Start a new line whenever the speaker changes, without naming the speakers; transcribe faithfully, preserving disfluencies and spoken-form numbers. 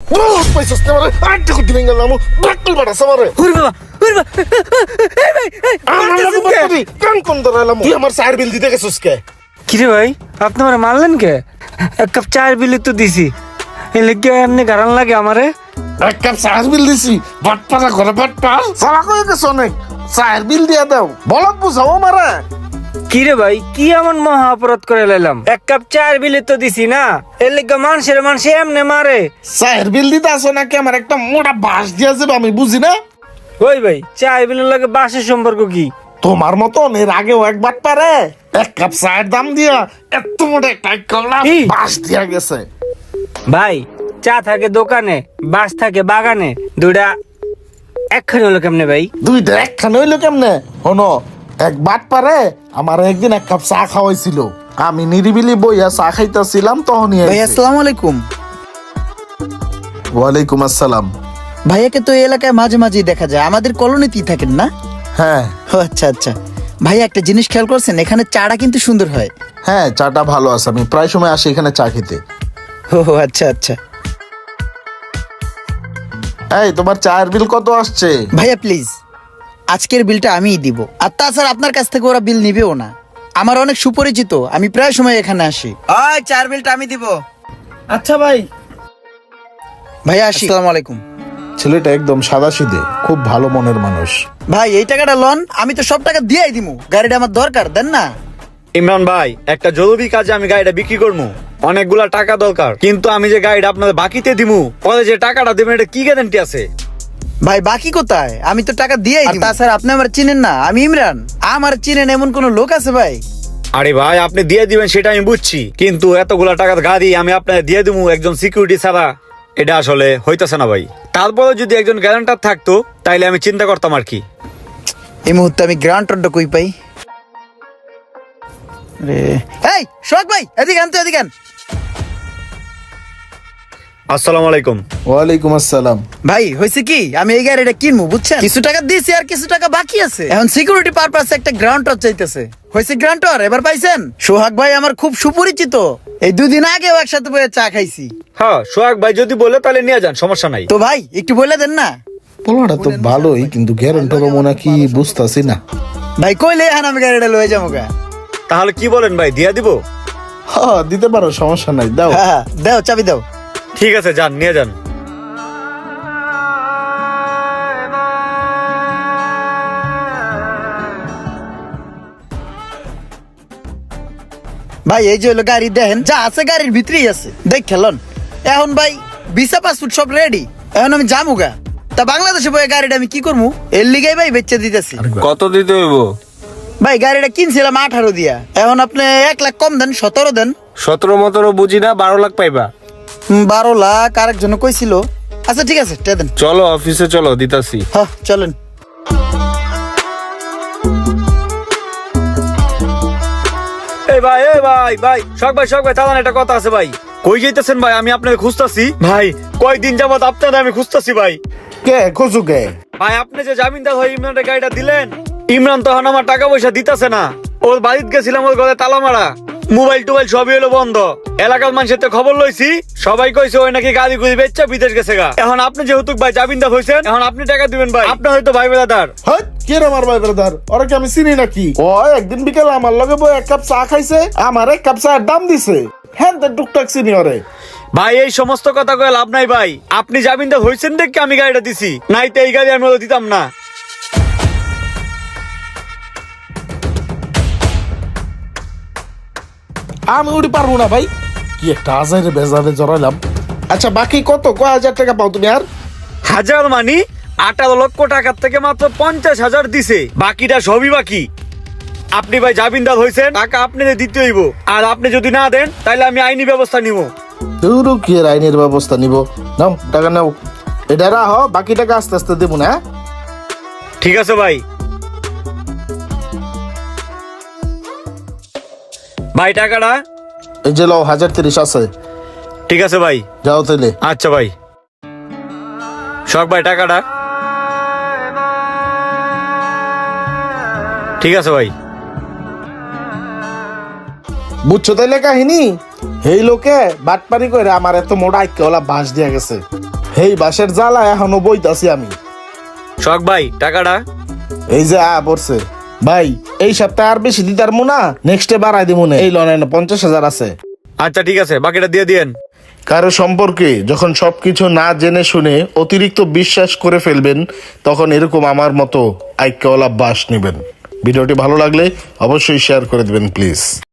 বহুত পয়সা আসতে পারে আটটা কোটি ভেঙে গেলাম বাটল বাড়াছে আমারে
ওরে বাবা ওরে বাবা এই ভাই এই
আমার লাগে বাটলি কান কোন ধরালাম তুই আমার চার বিল দিতে গেছিস কে
কিরে ভাই আপনি আমারে মারলেন কে এক কাপ চায়ের বিল তো দিছি এই লেগে এমনি গারান লাগে আমারে
এক কাপ চার বিল দিছি বাটপাড়া ঘরে বাটপার সালা কয়ে গেছ অনেক চার বিল দিয়া দাও বলত বুঝাও আমারে
কিরে ভাই কি এমন মহা অপরাধ করে লাইলাম এক কাপ চায়ের বিল তো দিছি না এর লেগে মানুষের মানুষ এমনি মারে
চার বিল দিতে আসো নাকি আমার একটা মোটা বাঁশ দিয়া যাবে আমি বুঝি না
ওই ভাই চায়ের বিলের লাগে বাসের সম্পর্ক কি
তোমার মতন এর আগেও একবার পারে এক কাপ চায়ের দাম দিয়া এত মোটা একটা কলা
কি?
বাঁশ দিয়া গেছে
ভাই চা থাকে দোকানে বাস থাকে বাগানে দুইটা একখানে হলো কেমনে ভাই
দুইটা একখানে হইলো কেমনে হনো এক বাট পারে আমার একদিন এক কাপ চা খাওয়াইছিল আমি নিরিবিলি বইয়া চা খাইতেছিলাম তখনই
ভাই আসসালামু আলাইকুম।
ওয়ালাইকুম আসসালাম।
ভাইয়াকে তো এই এলাকায় মাঝে মাঝেই দেখা যায়, আমাদের কলোনিতেই থাকেন না?
হ্যাঁ
ও আচ্ছা আচ্ছা। ভাই একটা জিনিস খেয়াল করছেন, এখানে চাটা কিন্তু সুন্দর হয়।
হ্যাঁ চাটা ভালো আছে, আমি প্রায় সময় আসি এখানে চা খেতে।
ও আচ্ছা আচ্ছা।
এই তোমার চায়ের বিল কত আসছে?
ভাইয়া প্লিজ আজকের বিলটা আমিই দিব, আর তাছাড়া আপনার কাছ থেকে ওরা বিল নিবেও না। আমার অনেক সুপরিচিত, আমি প্রায় সময় এখানে আসি। ওই চার বিলটা আমি দিব।
আচ্ছা ভাই
ভাইয়া আসি। আসসালামু আলাইকুম।
ছেলেটা একদম সাদাসিধে, খুব ভালো মনের মানুষ।
ভাই এই টাকাটা লন, আমি তো সব টাকা দিয়েই দিমু, গাড়িটা আমার দরকার, দেন না?
ইমরান ভাই একটা জরুরি কাজে আমি গাড়িটা বিক্রি করবো, অনেকগুলা টাকা দরকার, কিন্তু আমি যে গাড়িটা আপনাদের বাকিতে দিমু পরে যে টাকাটা দেবেন এটা কি গ্যারান্টি আছে?
ভাই বাকি কোথায়? আমি তো টাকা দিয়েই দিই। তাছাড়া আপনি আমার চিনেন না, আমি ইমরান। আমার চিনেন এমন কোন লোক আছে ভাই?
আরে ভাই আপনি দিয়ে দিবেন সেটা আমি বুঝছি, কিন্তু এতগুলা টাকার গাড়ি আমি আপনাকে দিয়ে দিবো একজন সিকিউরিটি ছাড়া, এটা আসলে হইতেছে না ভাই। তারপরে যদি একজন গ্যারান্টার থাকতো তাইলে আমি চিন্তা করতাম আর কি।
এই মুহূর্তে আমি গ্রান্টারটা কই পাই? রে এই শোক ভাই, এদিকে আন তো, এদিকে আন।
আসসালামু আলাইকুম।
ওয়ালাইকুম আসসালাম।
ভাই হয়েছে কি, আমি এই গাড়িটা কিনবো বুঝছেন, কিছু টাকা দিয়েছি আর কিছু টাকা বাকি আছে। এখন সিকিউরিটি পারপাসে একটা গ্রান্টার চাইতেছে। হয়েছে গ্রান্টার, এবার পাইছেন? সোহাগ ভাই আমার খুব সুপরিচিত, এই দুদিন আগেও একসাথে বসে চা খাইছি।
হ্যাঁ সোহাগ ভাই যদি বলে তাহলে নিয়ে যান, সমস্যা নাই।
তো ভাই একটু বলে দেন না।
পোলাটা তো ভালোই, কিন্তু গ্যারান্টার মনে কি বুঝতাছি না।
ভাই কইলে এখন আমি গাড়িটা লয়ে যাবো গা।
তাহলে কি বলেন ভাই, দিয়ে দিব?
হ্যাঁ দিতে পারো, সমস্যা নাই, দাও।
হ্যাঁ দাও, চাবি দাও।
ঠিক আছে যান, নিয়ে যান।
ভাই এই যে হলো গাড়ি, দেখেন যা আছে গাড়ির ভিতরেই আছে, দেখ খেলন। এখন ভাই ভিসা পাসপোর্ট সব রেডি, এখন আমি যামুগা। তা বাংলাদেশে বয়ে গাড়িটা আমি কি করবো, এর লিগাই ভাই বেচে দিতেছি।
কত দিতে হইব?
ভাই গাড়িটা কিনছিলাম আঠারো দিয়া, এখন আপনি এক লাখ কম দেন, সতেরো দেন।
সতেরো মতেরো বুঝি না, বারো লাখ পাইবা।
হুম, বারো লাখ আরেকজন কইছিল। আচ্ছা ঠিক আছে, টে দেন।
চলো অফিসে চলো, দিতাছি।
হ্যাঁ চলেন।
এই ভাই এই ভাই ভাই শখ ভাই শখ ভাই তাহলে একটা কথা আছে ভাই। কই যাইতেছেন ভাই? আমি আপনাকে খুঁজতাছি ভাই, কয়েকদিন যাবত আপনাদের আমি খুঁজতাছি ভাই।
কে খোঁজু কে?
ভাই আপনি যে জামিনদার হয়ে ইমরানের গাড়িটা দিলেন, ইমরান তখন আমার টাকা পয়সা দিতেছে না। ওর বাড়িতে গেছিলাম, ওর ঘরে তালা মারা, মোবাইল টোবাইল সবই হলো বন্ধ। এলাকার মানুষের তো খবর লইছি, সবাই কইছে ওই নাকি গাড়ি গুড়ি বেচছে বিদেশ গেছে গা। এখন আপনি যেহেতু ভাই জামিনদার হয়েছেন, এখন আপনি টাকা দিবেন ভাই। আপনি হয়তো ভাই বেড়াদার।
হ্যাঁ কে রে আমার ভাই ব্রাদার? ওরা কি আমি চিনি নাকি? ও একদিন বিকেলে আমার লগে বই এক কাপ চা খাইছে, আমার এক কাপ চায়ের দাম দিছে। হ্যাঁ তো টুকটাক চিনি ওরে।
ভাই এই সমস্ত কথা কয়ে লাভ নাই ভাই, আপনি জামিনদার হয়েছেন দেখে আমি গাড়িটা দিছি, নাই তো এই গাড়ি আমি ওদের দিতাম না।
আমি উড়ি পারবো না ভাই, কি একটা হাজারে বেজারে জড়াইলাম। আচ্ছা বাকি কত, কয় হাজার টাকা পাও তুমি? আর
হাজার মানি আঠারো লক্ষ টাকার থেকে মাত্র পঞ্চাশ হাজার দিছে, বাকিটা সবই বাকি। আপনি ভাই জামিনদার হয়েছেন, টাকা আপনি দিতে হইব, আর আপনি যদি না দেন তাহলে আমি আইনি ব্যবস্থা নিব।
দূরও কি এর আইনের ব্যবস্থা নিব? নাও টাকা নাও, এটা রাহ, বাকি টাকা আস্তে আস্তে দেবো না।
ঠিক আছে ভাই। ভাই টাকাটা
এই যে লও, হাজার তিরিশ আছে।
ঠিক আছে ভাই,
যাও তাহলে।
আচ্ছা ভাই। শখ ভাই টাকাটা ঠিক আছে ভাই।
বুঝছো তাইলে কাহিনী? এই লোকে বাটপারি করে আমার এত মোটা আইকে ওলা বাঁশ দিয়া গেছে। হেই বাসের জ্বালা এখনো বইতাছি আমি।
শখ ভাই টাকাটা
এই যে আ পড়ছে ভাই, এই সপ্তাহে আর বেশি দিতার মুনা, নেক্সটে বাড়াই দিব না। এই লোন পঞ্চাশ হাজার আছে।
আচ্ছা ঠিক আছে, বাকিটা দিয়ে দিয়েন।
কারো সম্পর্কে যখন সবকিছু না জেনে শুনে অতিরিক্ত বিশ্বাস করে ফেলবেন, তখন এরকম আমার মতো আইক্যওয়ালা বাস নেবেন। ভিডিওটি ভালো লাগলে অবশ্যই শেয়ার করে দিবেন প্লিজ।